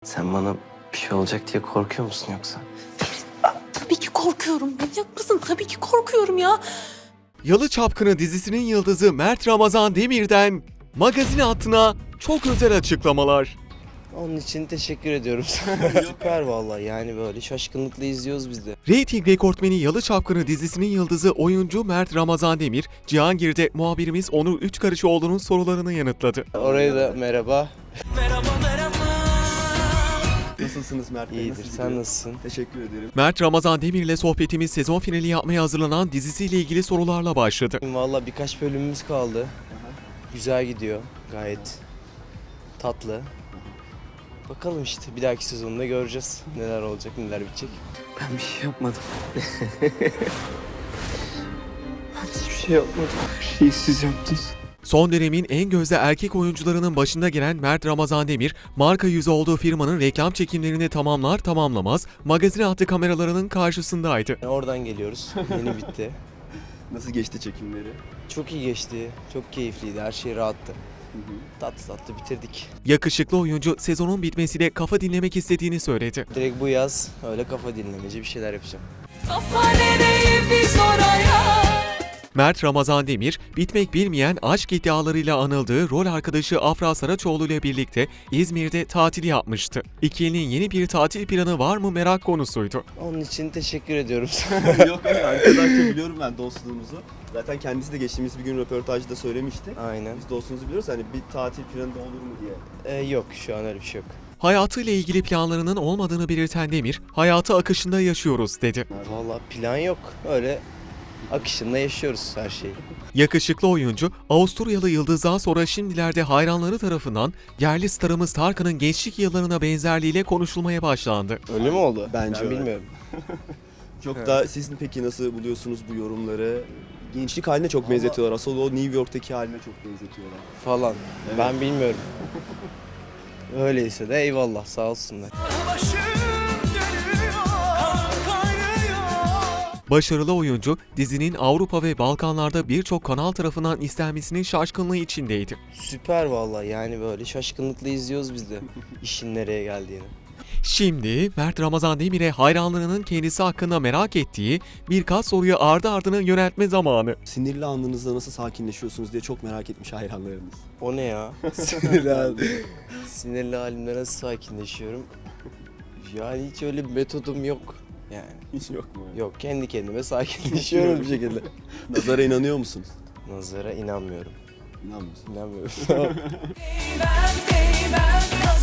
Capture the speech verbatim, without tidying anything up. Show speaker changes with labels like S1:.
S1: Sen bana bir şey olacak diye korkuyor musun yoksa?
S2: Tabii ki korkuyorum. Manyak mısın? Tabii ki korkuyorum ya.
S3: Yalı Çapkını dizisinin yıldızı Mert Ramazan Demir'den magazin hattına çok özel açıklamalar.
S4: Onun için teşekkür ediyorum. Süper vallahi, yani böyle şaşkınlıkla izliyoruz biz de.
S3: Reyting rekortmeni Yalı Çapkını dizisinin yıldızı oyuncu Mert Ramazan Demir, Cihangir'de muhabirimiz Onur Üçkarışoğlu'nun sorularını yanıtladı.
S4: Oraya da merhaba.
S5: Nasılsınız Mert Bey?
S4: İyidir,
S5: Nasıl
S4: sen
S5: gidiyor?
S4: nasılsın?
S5: Teşekkür ederim.
S3: Mert Ramazan Demir ile sohbetimiz sezon finali yapmaya hazırlanan dizisiyle ilgili sorularla başladı.
S4: Vallahi birkaç bölümümüz kaldı. Güzel gidiyor, gayet tatlı. Bakalım işte, bir dahaki sezonda göreceğiz neler olacak, neler bitecek.
S1: Ben bir şey yapmadım. Ben hiçbir şey yapmadım. Her şeyi siz yaptınız.
S3: Son dönemin en gözde erkek oyuncularının başında gelen Mert Ramazan Demir, marka yüzü olduğu firmanın reklam çekimlerini tamamlar tamamlamaz magazin hattı kameralarının karşısındaydı.
S4: Yani oradan geliyoruz, yeni bitti.
S5: Nasıl geçti çekimleri?
S4: Çok iyi geçti, çok keyifliydi, her şey rahattı. Tatlı tatlı bitirdik.
S3: Yakışıklı oyuncu sezonun bitmesiyle kafa dinlemek istediğini söyledi.
S4: Direkt bu yaz öyle kafa dinlemeci bir şeyler yapacağım.
S2: Kafa nereye biz oraya.
S3: Mert Ramazan Demir, bitmek bilmeyen aşk iddialarıyla anıldığı rol arkadaşı Afra Saraçoğlu ile birlikte İzmir'de tatil yapmıştı. İkilinin yeni bir tatil planı var mı merak konusuydu.
S4: Onun için teşekkür ediyorum.
S5: Yok hayır, arkadaşça biliyorum ben dostluğumuzu. Zaten kendisi de geçtiğimiz bir gün röportajda söylemişti.
S4: Aynen.
S5: Biz dostluğumuzu biliyoruz, hani bir tatil planı da olur mu diye.
S4: Ee, yok, şu an öyle bir şey yok.
S3: Hayatıyla ilgili planlarının olmadığını belirten Demir, hayatı akışında yaşıyoruz dedi.
S4: Vallahi plan yok. Öyle akışında yaşıyoruz her şeyi.
S3: Yakışıklı oyuncu, Avusturyalı yıldızdan sonra şimdilerde hayranları tarafından yerli starımız Tarkan'ın gençlik yıllarına benzerliğiyle konuşulmaya başlandı.
S4: Öyle mi oldu?
S5: Bence
S4: ben
S5: öyle.
S4: bilmiyorum.
S5: Çok
S4: Evet.
S5: da siz peki nasıl buluyorsunuz bu yorumları? Gençlik haline çok benzetiyorlar. Asıl o New York'taki haline çok benzetiyorlar.
S4: Falan.
S5: Evet.
S4: Ben bilmiyorum. Öyleyse de eyvallah, sağ olsunlar.
S3: Başarılı oyuncu, dizinin Avrupa ve Balkanlarda birçok kanal tarafından istenmesinin şaşkınlığı içindeydi.
S4: Süper vallahi, yani böyle şaşkınlıkla izliyoruz biz de işin nereye geldiğini.
S3: Şimdi Mert Ramazan Demir'e hayranlarının kendisi hakkında merak ettiği birkaç soruyu ardı ardına yöneltme zamanı.
S5: Sinirli anınızda nasıl sakinleşiyorsunuz diye çok merak etmiş hayranlarınız.
S4: O ne ya?
S5: Sinirli halde.
S4: Sinirli halimde nasıl sakinleşiyorum? Yani hiç öyle bir metodum yok. Yani
S5: Hiç yok mu?
S4: yok, kendi kendime sakinleşiyorum bir şekilde.
S5: Nazara inanıyor musunuz?
S4: Nazara inanmıyorum.
S5: İnanmıyorsun.
S4: İnanmıyorum.
S2: Değmem değmem